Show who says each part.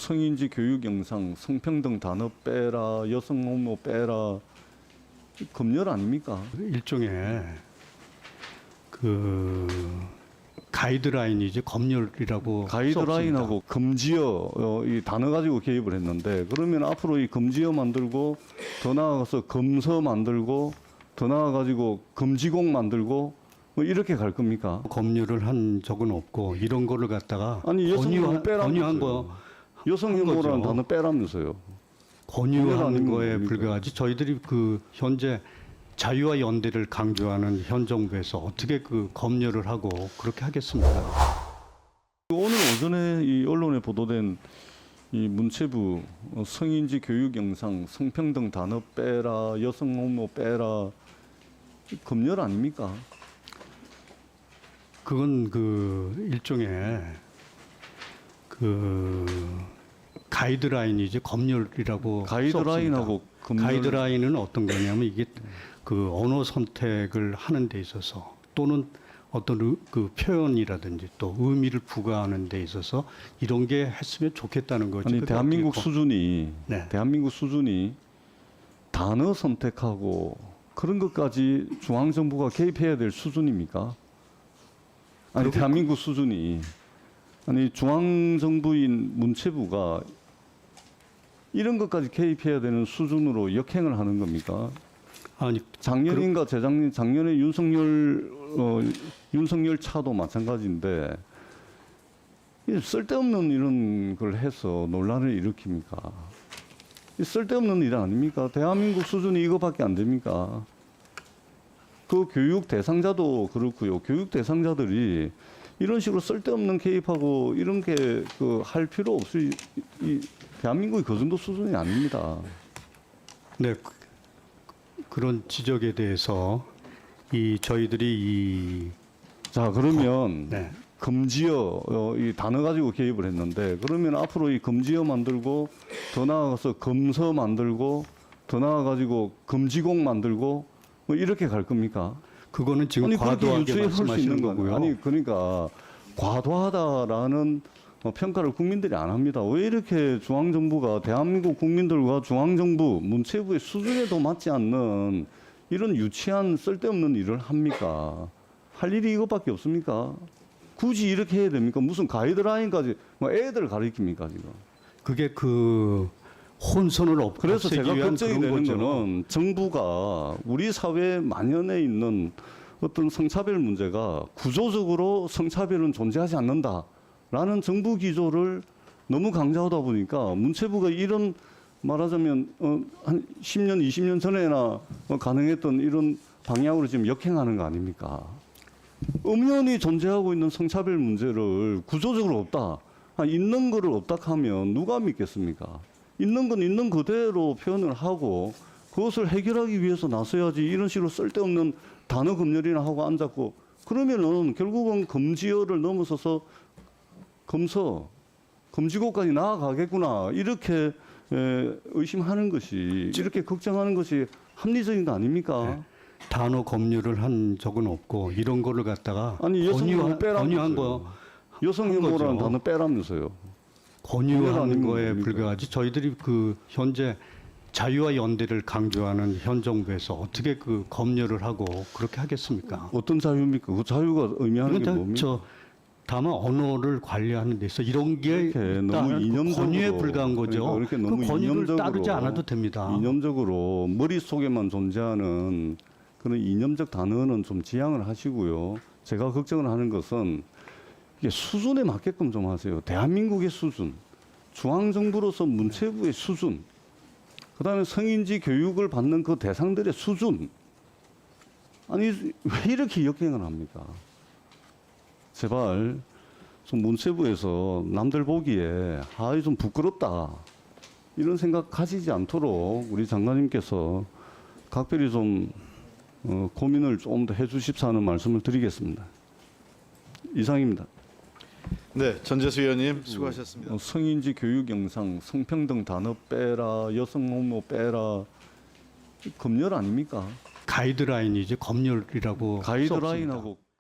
Speaker 1: 성인지 교육 영상, 성평등 단어 빼라, 여성 호모 빼라, 검열 아닙니까?
Speaker 2: 일종의 그 가이드라인이지 검열이라고
Speaker 1: 가이드라인하고 금지어 이 단어 가지고 개입을 했는데, 그러면 앞으로 이 금지어 만들고 더 나아가서 검서 만들고 더 나아가지고 금지곡 만들고 뭐 이렇게 갈 겁니까?
Speaker 2: 검열을 한 적은 없고 이런 거를 갖다가
Speaker 1: 아니 여성 호모
Speaker 2: 권유한
Speaker 1: 빼라면서요.
Speaker 2: 거
Speaker 1: 여성
Speaker 2: 한
Speaker 1: 혐오라는
Speaker 2: 거죠.
Speaker 1: 단어 빼라면서요.
Speaker 2: 권유하는 거에
Speaker 1: 뭡니까?
Speaker 2: 불과하지. 저희들이 그 현재 자유와 연대를 강조하는 현 정부에서 어떻게 그 검열을 하고 그렇게 하겠습니까?
Speaker 1: 오늘 오전에 이 언론에 보도된 이 문체부 성인지 교육 영상, 성평등 단어 빼라, 여성 호모 빼라, 검열 아닙니까?
Speaker 2: 그건 그 일종의 그 가이드라인이지 검열이라고
Speaker 1: 가이드라인하고 검열.
Speaker 2: 가이드라인은 어떤 거냐면 이게 그 언어 선택을 하는 데 있어서 또는 어떤 그 표현이라든지 또 의미를 부과하는 데 있어서 이런 게 했으면 좋겠다는 거지.
Speaker 1: 아니
Speaker 2: 그게
Speaker 1: 대한민국
Speaker 2: 어떻게
Speaker 1: 수준이
Speaker 2: 네.
Speaker 1: 대한민국 수준이 단어 선택하고 그런 것까지 중앙 정부가 개입해야 될 수준입니까? 아니 대한민국 수준이 아니 중앙 정부인 문체부가 이런 것까지 개입해야 되는 수준으로 역행을 하는 겁니까?
Speaker 2: 아니
Speaker 1: 작년인가 재작년 작년에 윤석열 차도 마찬가지인데 이 쓸데없는 이런 걸 해서 논란을 일으킵니까? 이 쓸데없는 일 아닙니까? 대한민국 수준이 이거밖에 안 됩니까? 그 교육 대상자도 그렇고요. 교육 대상자들이 이런 식으로 쓸데없는 개입하고 이런 게 그 할 필요 없이 이 대한민국이 그 정도 수준이 아닙니다.
Speaker 2: 네, 그런 지적에 대해서 이 저희들이
Speaker 1: 자 그러면
Speaker 2: 네.
Speaker 1: 금지어 이 단어 가지고 개입을 했는데, 그러면 앞으로 이 금지어 만들고 더 나아가서 검서 만들고 더 나아가지고 금지곡 만들고 뭐 이렇게 갈 겁니까?
Speaker 2: 그거는 지금
Speaker 1: 아니 그렇게
Speaker 2: 과도하게
Speaker 1: 유추할 수
Speaker 2: 말씀하시는
Speaker 1: 있는 거고요.
Speaker 2: 거고요.
Speaker 1: 아니 그러니까 과도하다라는 평가를 국민들이 안 합니다. 왜 이렇게 중앙정부가 대한민국 국민들과 중앙정부 문체부의 수준에도 맞지 않는 이런 유치한 쓸데없는 일을 합니까? 할 일이 이것밖에 없습니까? 굳이 이렇게 해야 됩니까? 무슨 가이드라인까지 뭐 애들 가르칩니까 지금?
Speaker 2: 그게 그 혼선을
Speaker 1: 그래서
Speaker 2: 없애기
Speaker 1: 제가
Speaker 2: 위한
Speaker 1: 걱정이
Speaker 2: 그런
Speaker 1: 되는
Speaker 2: 거죠.
Speaker 1: 거는 정부가 우리 사회에 만연해 있는 어떤 성차별 문제가 구조적으로 성차별은 존재하지 않는다라는 정부 기조를 너무 강조하다 보니까 문체부가 이런 말하자면 한 10년, 20년 전에나 가능했던 이런 방향으로 지금 역행하는 거 아닙니까? 엄연히 존재하고 있는 성차별 문제를 구조적으로 없다, 있는 거를 없다 하면 누가 믿겠습니까? 있는 건 있는 그대로 표현을 하고 그것을 해결하기 위해서 나서야지 이런 식으로 쓸데없는 단어 검열이나 하고 앉았고, 그러면은 결국은 금지어를 넘어서서 검서, 금지곡까지 나아가겠구나 이렇게 의심하는 것이, 이렇게 걱정하는 것이 합리적인 거 아닙니까?
Speaker 2: 네. 단어 검열을 한 적은 없고 이런 거를 갖다가
Speaker 1: 아니 여성 혐오
Speaker 2: 권유한
Speaker 1: 빼라면서요.
Speaker 2: 거
Speaker 1: 여성
Speaker 2: 한
Speaker 1: 혐오라는
Speaker 2: 거죠.
Speaker 1: 단어 빼라면서요.
Speaker 2: 권유하는
Speaker 1: 아니면
Speaker 2: 거에
Speaker 1: 뭡니까?
Speaker 2: 불과하지. 저희들이 그 현재 자유와 연대를 강조하는 현 정부에서 어떻게 그 검열을 하고 그렇게 하겠습니까?
Speaker 1: 어떤 자유입니까? 그 자유가 의미하는 게
Speaker 2: 이건
Speaker 1: 뭡니까?
Speaker 2: 다만 언어를 관리하는 데 있어 이런 게
Speaker 1: 이렇게 너무
Speaker 2: 일단은
Speaker 1: 이념적으로,
Speaker 2: 권유에 불과한 거죠.
Speaker 1: 그러니까 그렇게 너무
Speaker 2: 그 권유를
Speaker 1: 이념적으로,
Speaker 2: 따르지 않아도 됩니다.
Speaker 1: 이념적으로 머릿속에만 존재하는 그런 이념적 단어는 좀 지양을 하시고요. 제가 걱정을 하는 것은 이게 수준에 맞게끔 좀 하세요. 대한민국의 수준, 중앙정부로서 문체부의 수준, 그다음에 성인지 교육을 받는 그 대상들의 수준. 아니 왜 이렇게 역행을 합니까? 제발 좀 문체부에서 남들 보기에 좀 부끄럽다 이런 생각 가지지 않도록 우리 장관님께서 각별히 좀 고민을 좀 더 해주십사 하는 말씀을 드리겠습니다. 이상입니다.
Speaker 3: 네, 전재수 의원님 수고하셨습니다.
Speaker 1: 성인지 교육 영상, 성평등 단어 빼라, 여성 호모 빼라, 검열 아닙니까?
Speaker 2: 가이드라인이지 검열이라고
Speaker 1: 가이드라인하고